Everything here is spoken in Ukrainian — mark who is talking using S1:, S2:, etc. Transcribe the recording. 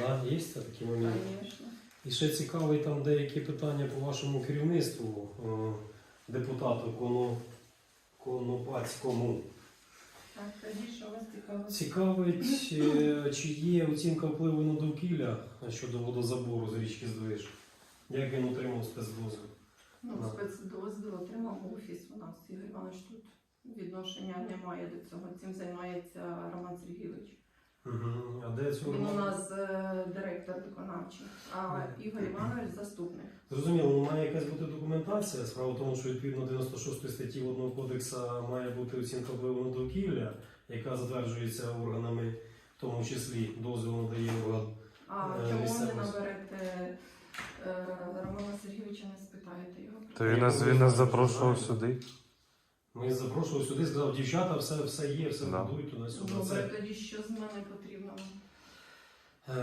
S1: Да, є такі моменти.
S2: Звісно.
S1: І ще цікаві там деякі питання по вашому керівництву, депутату Конопацькому.
S2: Так, тоді що вас цікавить?
S1: Цікавить, чи є оцінка впливу на довкілля щодо водозабору з річки Здвиж? Як він отримав спецдозвіл?
S2: Ну, спецдозвіл отримав офіс у нас. Ігор Іванович тут відношення немає до цього. Цим займається Роман Сергійович.
S1: Угу. А де цього?
S2: Він у нас директор виконавчий, а Ігор Іванович заступник.
S1: Зрозуміло, ну має якась бути документація. Справа в тому, що відповідно 96 статті Водного кодексу має бути оцінка впливу на довкілля, яка затверджується органами, в тому числі дозвіл надає орган.
S2: А чому ви не наберете Романа Сергійовича, не спитаєте його?
S3: То він нас запрошував сюди.
S1: Ми запрошували сюди, сказав, дівчата, все є, все
S3: Да.
S1: будують туди-сюди.
S2: Добре, тоді що з мене потрібно?